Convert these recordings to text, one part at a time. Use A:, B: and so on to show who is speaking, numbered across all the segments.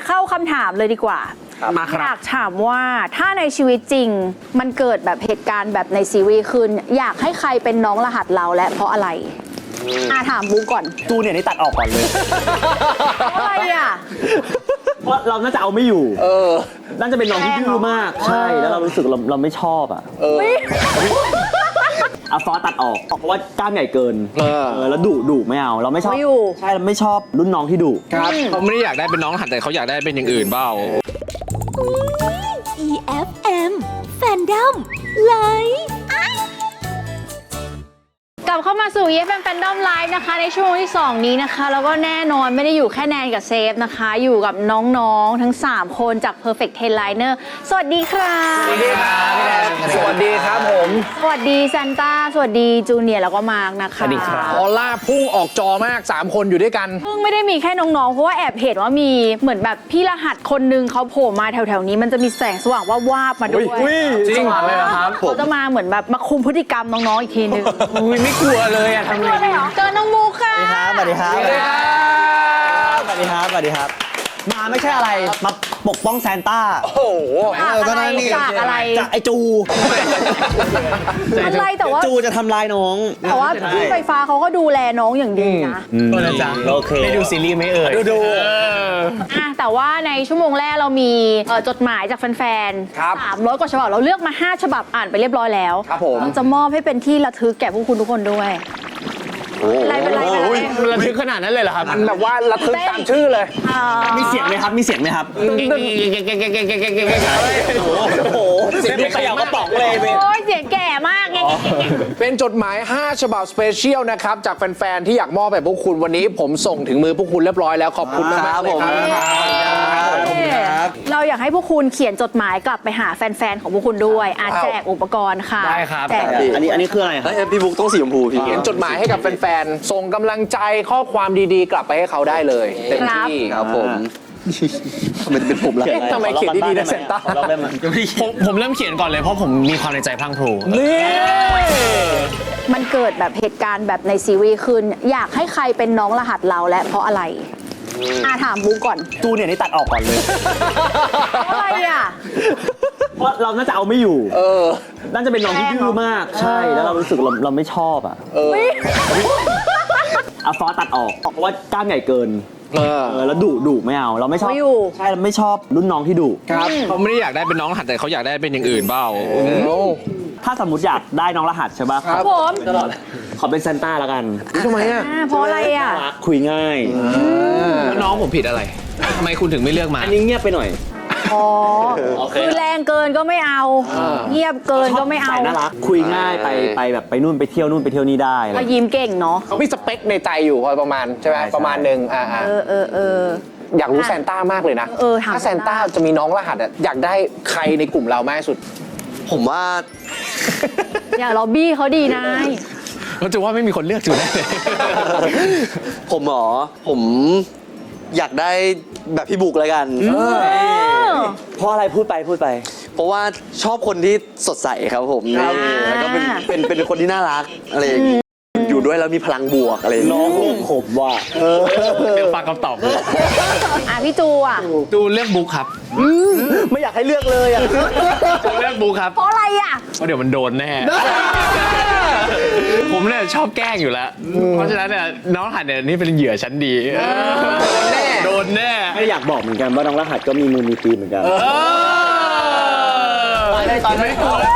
A: เข้าคำถามเลยดีกว่า
B: มาครับ
A: อยากถามว่าถ้าในชีวิตจริงมันเกิดแบบเหตุการณ์แบบในซีรีส์ขึ้นอยากให้ใครเป็นน้องรหัสเราและเพราะอะไรถามบุ๊กก่อน
C: จูเนี่ยนี่ตัดออกก่อนเลย
A: เพราะอะไรอ่ะ
C: เพราะเราน่าจะเอาไม่อยู่น่าจะเป็นน้องที่ดื้อมากใช่แล้วเรารู้สึกเราไม่ชอบอ่ะเอาฟอสตัดออกเพราะว่ากล้ามใหญ่เกินแล้วดุไม่เอาเราไม่ชอบใช่เราไม่ชอบรุ่นน้องที่ดุ
B: ครับเขาไม่ได้อยากได้เป็นน้องรหัสแต่เขาอยากได้เป็นอย่างอื่นเปล่า
D: EFM Fandom Live
A: กลับเข้ามาสู่ EFM Fandom Live นะคะในช่วงที่ 2 นี้นะคะแล้วก็แน่นอนไม่ได้อยู่แค่แนนกับเซฟนะคะอยู่กับน้องๆทั้ง 3 คนจาก Perfect Ten Liner สวัสดีครับ
B: สวัสดีครับพี่แนนสวัสดีครับผม
A: สวัสดีซันต้าสวัสดีจูเนียร์แล้วก็มาร์กนะคะ
C: สวัสดีครับ
B: ออร่าพุ่งออกจอมาก3คนอยู่ด้วยกัน
A: ซึ่งไม่ได้มีแค่น้องๆเพราะว่าแอบเห็นว่ามีเหมือนแบบพี่รหัสคนนึงเขาโผล่มาแถวๆนี้มันจะมีแสงสว่างวาบๆมาด้วย
B: จริงเลยครับ
A: เขาจะมาเหมือนแบบมาคุมพฤติกรรมน้องๆอีกทีนึง
B: ไม่กลัวเลยอะทำไงดี
A: เจอน้องมูค่ะ
C: สวัสดีครับ
B: สวัสดีครับ
C: สวัสดีครับสวัสดีครับมาไม่ใช่อะไรมาปกป้องซานต้า
B: โอ้โห
A: จากอะไร
C: จากไอจู
A: อะไรแต่ว่า
C: จูจะทำลายน้อง
A: แต่ว่าพี่ไฟฟ้าเขาก็ดูแลน้องอย่างดีนะ
C: ก็นะจ๊ะโอเคได้ดูซีรีส์ไหมเอ่ยดู
A: แต่ว่าในชั่วโมงแรกเรามีจดหมายจากแฟนๆ300 กว่าฉบับเราเลือกมา 5 ฉบับอ่านไปเรียบร้อยแล้ว
B: ครับผม
A: เราจะมอบให้เป็นที่ระทึกแก่พวกคุณทุกคนด้วยอะไรเป็นไร
C: ระทึกขนาดนั้นเลยเหรอครับ
B: มันแบบว่าระทึกตามชื่อเลย
C: มีเสียงไหมครับมีเสียงไหมครับโอ้โหเสียงเขย่ากระป๋องเลย
A: โอ้ยเสียงแก่มากไง
B: เป็นจดหมาย 5 ฉบับสเปเชียลนะครับจากแฟนๆที่อยากมอบให้พวกคุณวันนี้ผมส่งถึงมือพวกคุณเรียบร้อยแล้วขอบคุณมากๆเลยครับ
A: เราอยากให้พวกคุณเขียนจดหมายกลับไปหาแฟนๆของพวกคุณด้วยแจกอุปกรณ์ค่ะ
C: ได้ครับ
A: แจก
C: อันนี้คืออะไรครับ
E: พี่บุ๊กต้องสีชมพูพี่
B: เขียนจดหมายให้กับแฟนๆ ส่งกำลังใจข้อความดีๆ กลับไปให้เขาได้เลยเต็มที่
E: ครับผมมันเป็นผมละ
B: ทำไมเขียนดีๆนะเซนต้า
F: ผมเริ่มเขียนก่อนเลยเพราะผมมีความในใจพลังพรู
B: นี่
A: มันเกิดแบบเหตุการณ์แบบในซีรีส์ขึ้นอยากให้ใครเป็นน้องรหัสเราและเพราะอะไรถามบุ๊กก่อน
C: จูเนี่ยนี่ตัดออกก่อนเลย
A: เพราะอะไรอ่ะ
C: เพราะเราน่าจะเอาไม่อยู่น่าจะเป็นน้องที่ดื้อมากใช่แล้วเรารู้สึกเราไม่ชอบอ่ะเอาฟอสตัดออกเพราะว่ากล้ามใหญ่เกินแล้วดุไม่เอาเราไม่ชอบใช่เราไม่ชอบรุ่นน้องที่ดุ
B: ครับ
F: เขาไม่ได้อยากได้เป็นน้องรหัสแต่เขาอยากได้เป็นอย่างอื่นเปล่า
C: ถ้าสมมติอยากได้น้องรหัสใช่ป่ะ
A: ครับผม
C: ขอเป็นซานต้าแล้วกัน
B: ทำไมอ่ะ
A: เพราะอะไรอ่ะ
C: คุยง่าย
F: แล้วน้องผมผิดอะไรทำไมคุณถึงไม่เลือกมา
C: อันนี้เงียบไปหน่อย
A: อ๋อคือแรงเกินก็ไม่เอาเงียบเกินก็ไม่เอา
C: สายน่ารักคุยง่ายไปแบบไปนู่นไปเที่ยวนู่นไปเที่ยวนี่ได้อะไร
A: ก็ยิ้มเก่งเนาะ
B: เขามีสเปคในใจอยู่พอประมาณใช่ไหม
C: ใช่
B: ประมาณหนึ่งอยากรู้แซนต้ามากเลยนะ
A: ถาม
B: ถ้าแซนต้าจะมีน้องรหัสอะอยากได้ใครในกลุ่มเรามากที่สุด
E: ผมว่า
A: อย่าล็อบบี้เขาดีนาย
F: เราจะว่าไม่มีคนเลือกจูได้เลย
E: ผมอยากได้แบบพี่บุ๊กแล้วกัน
C: เพราะอะไรพูดไป
E: เพราะว่าชอบคนที่สดใสครับผมแล้วก็เป็นคนที่น่ารักอะไรอย่างงี้อยู่ด้วยแล้วมีพลังบวกอะไรอย่าง
C: น้อ
E: เงี้
C: ง
E: ย
C: ผมว่า
F: เดี๋ยวฟังคำตอบ
A: พี่จูอ่ะ
F: จูเลือกบุ๊คครับ
C: ไม่อยากให้เลือกเลยอ่ะ
F: จูเลือกบุ๊คครับ
A: เพราะอะไรอ่ะ
F: เพราะเดี๋ยวมันโดนแน่ ผมเนี่ยชอบแกล้งอยู่แล้ว เพราะฉะนั้นเนี่ยน้องรหัสเนี่ยนี่เป็นเหยื่อชั้นดีโดนแน่
C: ไม่อยากบอกเหมือนกันว่าน้องรหัสก็มีมือมีตีนเหมือนกัน
F: ตอนนี้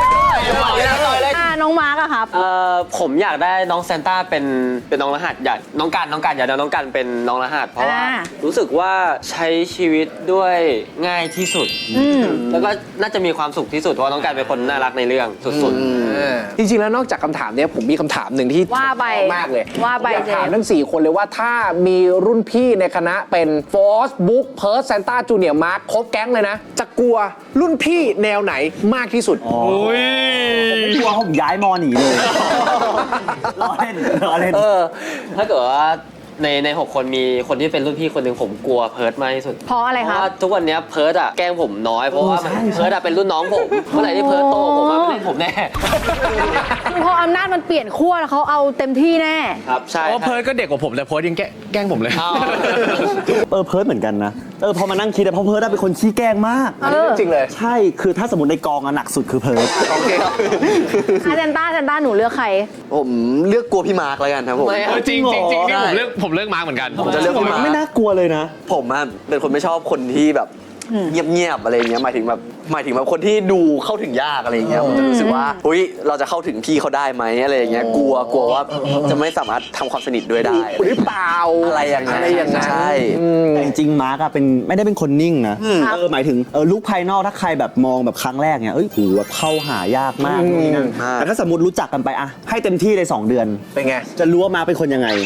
A: น้องมาร์กอะครับ
G: ผมอยากได้น้องแซนต้าเป็นน้องรหัสอยากน้องกันอยากได้น้องกันเป็นน้องรหัสเพราะว่ารู้สึกว่าใช้ชีวิตด้วยง่ายที่สุดแล้วก็น่าจะมีความสุขที่สุดเพราะน้องกันเป็นคนน่ารักในเรื่องสุดๆ
B: จริงๆแล้วนอกจากคำถามเนี้ยผมมีคำถามหนึ่งที่
A: ว่าไป
B: มากเลย
A: ว่าไป
B: อยากถาม
A: เจมส์
B: ทั้ง 4 คนเลยว่าถ้ามีรุ่นพี่ในคณะเป็นฟอสบุ๊กเพิร์สแซนต้าจูเนียร์มาร์คครบแก๊งเลยนะ จะกลัวรุ่นพี่แนวไหนมากที่สุด
C: ไม่กลัวผมย้ายมอหนีเลย รอเล่น
G: ถ้าเกิดว่าใน6 คนมีคนที่เป็นรุ่นพี่คนหนึ่งผมกลัวเพิร์ดมากที่สุด
A: เพราะอะไร
G: เพ
A: ค
G: ราะ
A: รับ
G: ว่าทุกวันเนี้ยเพิร์ดอะแกล้งผมน้อยเพราะว่าเพิร์ดอะเป็นรุ่นน้องผมเมื่อไหร่ที่เพิร์ดโตผมอะไม่เล่นผมแน่
A: คือพออำนาจมันเปลี่ยนขั้วแล้วเขาเอาเต็มที่แน่
G: ครับใช่
F: เพราะว่าเพิร์ดก็เด็กกว่าผมแต่เพิร์ดยังแกล้งผมเลย
G: เอา
C: เพิร์ดเหมือนกันนะพอมานั่งคิดเพราะเพิร์ดเป็นคนขี้แกล้งมาก
B: อันนี้เรื่องจริงเลย
C: ใช่คือถ้าสมมติในกองหนักสุดคือเพิร์ด
B: โอเคครับ
A: เซนต้าหนูเลือกใคร
E: ผมเลือกกลัวพี่มาร์คแล้วกันครับผม
F: จริงนี่ผมเลือกมาร์คเหมือนกัน
E: ผมจะเลือกพี่มาร์ค
C: ไม่น่ากลัวเลยนะ
E: ผมอะเป็นคนไม่ชอบคนที่แบบเงียบๆอะไรอย่างเงี้ยหมายถึงแบบคนที่ดูเข้าถึงยากอะไรอย่างเงี้ยผมจะรู้สึกว่าเฮ้ยเราจะเข้าถึงพี่เขาได้ไหมอะไรอย่างเงี้ยกลัวว่าจะไม่สามารถทำความสนิทด้วยได้
B: หรือเปล่า
E: อะไรอย่างนั้นใช่
C: แต่จริงๆมาร์กอะไม่ได้เป็นคนนิ่งนะหมายถึงลุคภายนอกถ้าใครแบบมองแบบครั้งแรกเนี่ยโหแบบเข้าหายากมากนู่นนี่นั่นแต่ถ้าสมมติรู้จักกันไปอะให้เต็มที่เลย2 เดือน
B: เป็นไง
C: จะรู้ว่ามาร์คเป็นคนยังไง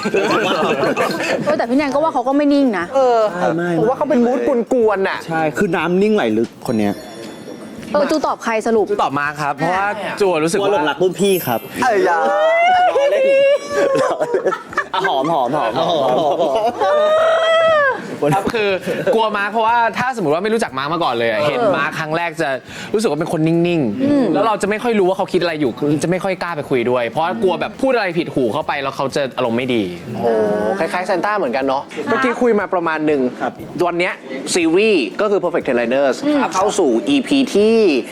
A: แต่พี่แนนก็ว่าเขาก็ไม่นิ่งนะ
C: ไม่
B: ผมว่าเขาเป็นมูดกวนๆน่ะ
C: ใช่คือน้ำนิ่งไหลลึกคนเนี้ย
A: จูตอบใครสรุป
F: ตอบมาร์คครับ เพราะว่าจูรู้สึก
C: ว่าหล
F: ว่า
C: งรักรุ่นพี่ครับ
E: ไอ้ยา
C: หอม
F: ครับคือกลัวมาร์คเพราะว่าถ้าสมมติว่าไม่รู้จักมาร์คมาก่อนเลยอะเห็นมาร์คครั้งแรกจะรู้สึกว่าเป็นคนนิ่งๆแล้วเราจะไม่ค่อยรู้ว่าเขาคิดอะไรอยู่คือจะไม่ค่อยกล้าไปคุยด้วย เพราะว่ากลัวแบบพูดอะไรผิดหูเข้าไปแล้วเขาจะอารมณ์ไม่ดี
B: โอ้คล้ายๆเซนต้าเหมือนกันเนาะ เมื่อกี้คุยมาประมาณหนึ่งวันเนี้ยซีรีส์ก็คือ Perfect Ten Liners เข้าสู่ EP ที่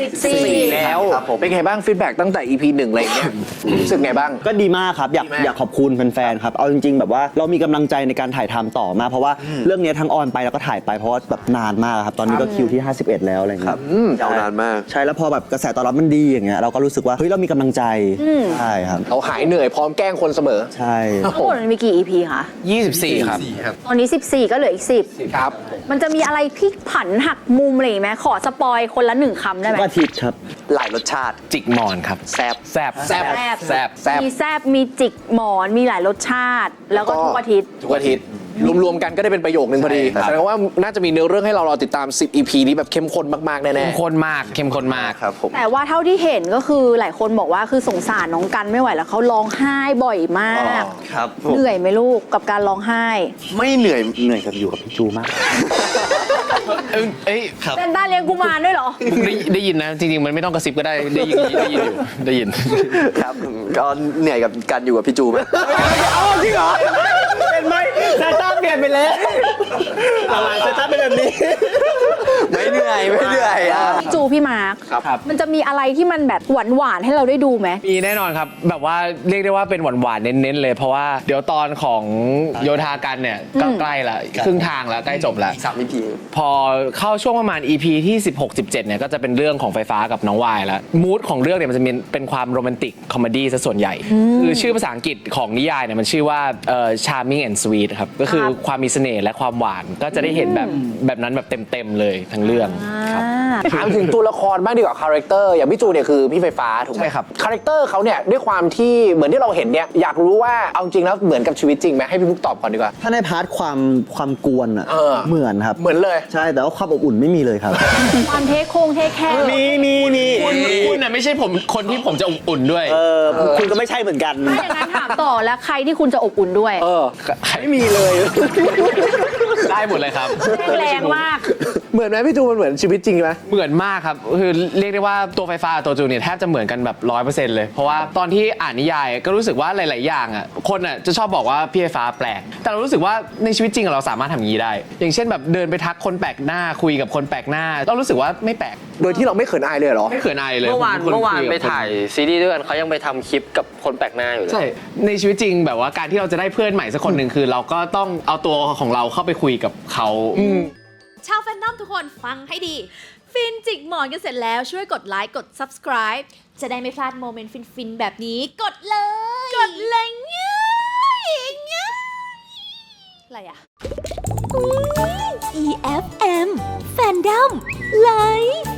B: 4 แล้ว เป็นไงบ้างฟีดแบ็กตั้งแต่ EP 1อะไรอย่างเงี้ยรู้สึกไงบ้าง
C: ก็ดีมากครับอยากขอบคุณแฟนๆครับเอาจริงๆแบบว่าเรามีกำลังใจในการถ่ายทำต่อมาเพราะว่าเรื่องนี้ทั้งออนไปแล้วก็ถ่ายไปเพราะว่าแบบนานมากครับตอนนี้ก็คิวที่ 51 แล้วอะไรเงี้ย
E: ยาวนานมาก
C: ใช่แล้วพอแบบกระแสตอบรับมันดีอย่างเงี้ยเราก็รู้สึกว่าเฮ้ยเรามีกำลังใจใช่ครับ
B: เขาหายเหนื่อยพร้อมแกล้งคนเสมอ
C: ใช่
A: ทั้งหมดมันมีกี่ EP คะ
F: 24 ครับ
A: ตอนนี้ 14 ก็เหลืออีก 10
B: ครับ
A: มันจะมีอะไรพลิกผันหักมุมอะไรอย่างงี้ไหมขอสปอยคนละ1 คำได้ไหม
C: ก็อาทิตย์ครับ
E: หลายรสชาติ
F: จิกหมอนครับ
E: แซบ
F: แซบ
B: แซ่บ
F: แซบ
B: แซ่บ
A: มีแซบมีจิกหมอนมีหลายรสชาติ แล้วก็ทุกอาทิตย์
B: ทุกอาทิตย์รวมๆกันก็ได้เป็นประโยคนึงพอดี
F: ใช่ครับ
B: แสดงว่าน่าจะมีเนื้อเรื่องให้เรารอติดตาม 10 EP นี้แบบเข้มข้นมากๆแน่
F: เข้มข้นมากเข้มข้นมาก
E: ครับผม
A: แต่ว่าเท่าที่เห็นก็คือหลายคนบอกว่าคือสงสารน้องกันไม่ไหวแล้วเขาร้องไห้บ่อยมาก
E: ครับผม
A: เหนื่อยไหมลูกกับการร้องไห้
E: ไม่เหนื่อย
C: เหนื่อยกับอยู่กับพี่จูมาก
F: เอ้ยครับ
A: เซนต้าเลี้ยงกุมารด้วยเหรอ
F: ได้ยินนะ จริงๆ มันไม่ต้องกระซิบก็ได้ได้ยินอยู่ได้ยิน
E: ครับก็เหนื่อยกับการอยู่กับพี่จูมาก
C: จริงเหรอเป็นไหมซาต้าเปลี่ยนไปแล้วอะไรซาต้าเป็นแบบนี้
E: ไม่เหนื่อยอ่ะ
A: จูพี่มาร์ค
F: ครับ
A: มันจะมีอะไรที่มันแบบหวานๆให้เราได้ดูไหม
F: มีแน่นอนครับ แบบว่าเรียกได้ว่าเป็นหวานๆเน้นๆเลย เพราะว่าเดี๋ยวตอนของโยธากันเนี่ยก็ใกล้ละครึ่งทางแล้วใกล้จบแล้ว
E: 3 EP
F: พอเข้าช่วงประมาณ EP ที่ 16-17 เนี่ยก็จะเป็นเรื่องของไฟฟ้ากับน้องวายแล้วมูดของเรื่องเนี่ยมันจะเป็นความโรแมนติกคอมเมดี้ซะส่วนใหญ่ คือชื่อภาษาอังกฤษของนิยายเนี่ยมันชื่อว่าCharming and Sweet ครับก็คือความมีเสน่ห์และความหวานก็จะได้เห็นแบบนั้นแบบเต็มๆเลยทั้งเรื่องครับ
B: ถามถึงตัวละครบ้างดีกว่าคาแรคเตอร์อย่างพี่จูเนี่ยคือพี่ไฟฟ้าถูกไหม
F: ใช่ครับ
B: คาแรคเตอร์เขาเนี่ยด้วยความที่เหมือนที่เราเห็นเนี่ยอยากรู้ว่าเอาจริงแล้วเหมือนกับชีวิตจริงไหมให้พี่พุกตอบก่อนดีกว่า
C: ถ้าในพาร์ทความกวนอ่ะ
B: เออ
C: เหมือนครับ
B: เหมือนเลย
C: ใช่แต่ว่าความอบอุ่นไม่มีเลยครับ
A: ความเทคโคงเทคแค่
C: มี
F: คุณน่ะไม่ใช่ผมคนที่ผมจะอบอุ่นด้วย
C: คุณก็ไม่ใช่เหมือนกัน
A: ถ้าอย่างนั้นถามต่อแล้วใครที่คุณจะอบอุ่นด้วย
C: ไม่มีเลย
F: ได้หมดเลยครับ
A: แรงมาก
B: เหมือนไหมพี่จูมันเหมือนชีวิตจริงไหม
F: เหมือนมากครับคือเรียกได้ว่าตัวไฟฟ้ากับตัวจูเนี่ยแทบจะเหมือนกันแบบ 100% เลย เพราะว่าตอนที่อ่านนิยายก็รู้สึกว่าหลาย ๆ อย่างอ่ะคนอ่ะจะชอบบอกว่าพี่ไฟฟ้าแปลก แต่เรารู้สึกว่าในชีวิตจริงเราสามารถทำอย่างนี้ได้ อย่างเช่นแบบเดินไปทักคนแปลกหน้าคุยกับคนแปลกหน้าเรารู้สึกว่าไม่แปลก
B: โดยที่เราไม่เขินอายเลยเหรอ
F: ไม่เขินอายเลย
G: เมื่อวาน
F: ผป็คคุกับ
G: ไป
F: คน
G: ถ่ายซีรีส์ด้วยกันเขายังไปทำคลิปกับคนแปลกหน้าอยู่เลย
F: ใช่ในชีวิตจริงแบบว่าการที่เราจะได้เพื่อนใหม่สักคนหนึ่งคือ เราก็ต้องเอาตัวของเราเข้าไปคุยกับเขา
D: ชาวแฟนดอมทุกคนฟังให้ดี ฟินจิกหมอนกันเสร็จแล้วช่วยกดไลค์กด subscribe จะได้ไม่พลาดโมเมนต์ฟินๆ แบบนี้ กดเลย กดเลยง่ายอะไรอ่ะ EFM Fandom Live